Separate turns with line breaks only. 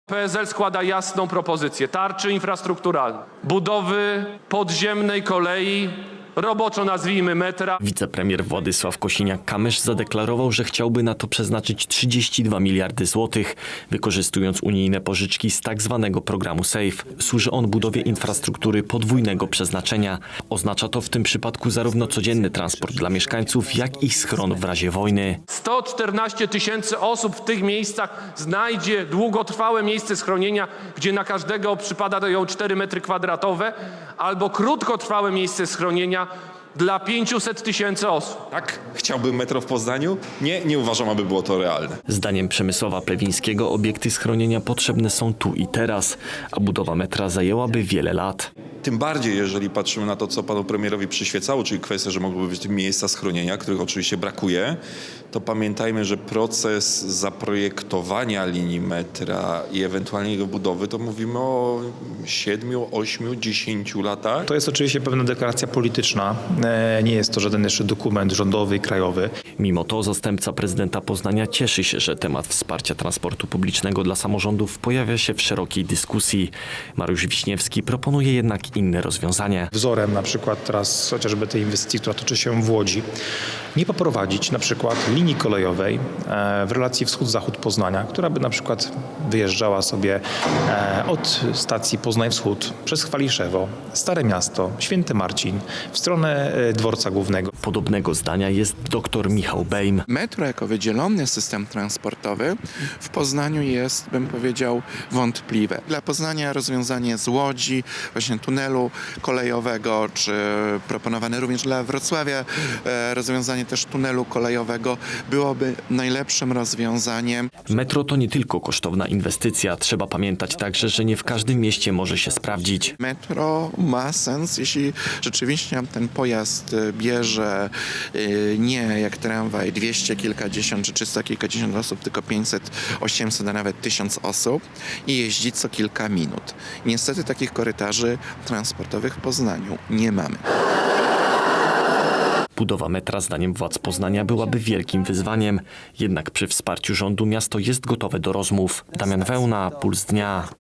PSL składa jasną propozycję tarczy infrastrukturalnej, budowy podziemnej kolei, roboczo nazwijmy metra.
Wicepremier Władysław Kosiniak-Kamysz zadeklarował, że chciałby na to przeznaczyć 32 miliardy złotych, wykorzystując unijne pożyczki z tak zwanego programu SAFE. Służy on budowie infrastruktury podwójnego przeznaczenia. Oznacza to w tym przypadku zarówno codzienny transport dla mieszkańców, jak i schron w razie wojny.
114 tysięcy osób w tych miejscach znajdzie długotrwałe miejsce schronienia, gdzie na każdego przypadają 4 metry kwadratowe, albo krótkotrwałe miejsce schronienia dla 500 tysięcy osób.
Tak, chciałbym metro w Poznaniu? Nie uważam, aby było to realne.
Zdaniem Przemysława Plewińskiego obiekty schronienia potrzebne są tu i teraz, a budowa metra zajęłaby wiele lat.
Tym bardziej, jeżeli patrzymy na to, co panu premierowi przyświecało, czyli kwestia, że mogłyby być miejsca schronienia, których oczywiście brakuje, to pamiętajmy, że proces zaprojektowania linii metra i ewentualnie jego budowy, to mówimy o 7, 8, 10 latach.
To jest oczywiście pewna deklaracja polityczna. Nie jest to żaden jeszcze dokument rządowy i krajowy.
Mimo to zastępca prezydenta Poznania cieszy się, że temat wsparcia transportu publicznego dla samorządów pojawia się w szerokiej dyskusji. Mariusz Wiśniewski proponuje jednak inne rozwiązanie.
Wzorem na przykład teraz chociażby tej inwestycji, która toczy się w Łodzi, nie poprowadzić na przykład linii kolejowej w relacji wschód-zachód Poznania, która by na przykład wyjeżdżała sobie od stacji Poznań Wschód przez Chwaliszewo, Stare Miasto, Święty Marcin w stronę dworca głównego.
Podobnego zdania jest dr Michał Bejm.
Metro jako wydzielony system transportowy w Poznaniu jest, bym powiedział, wątpliwe. Dla Poznania rozwiązanie z Łodzi, właśnie tunelu kolejowego, czy proponowane również dla Wrocławia rozwiązanie też tunelu kolejowego byłoby najlepszym rozwiązaniem.
Metro to nie tylko kosztowna inwestycja. Trzeba pamiętać także, że nie w każdym mieście może się sprawdzić.
Metro ma sens, jeśli rzeczywiście ten pojazd bierze nie jak tramwaj 200 kilkadziesiąt czy 300 kilkadziesiąt osób, tylko 500, 800, a nawet 1000 osób i jeździ co kilka minut. Niestety takich korytarzy transportowych w Poznaniu nie mamy.
Budowa metra zdaniem władz Poznania byłaby wielkim wyzwaniem. Jednak przy wsparciu rządu miasto jest gotowe do rozmów. Damian Wełna, Puls Dnia.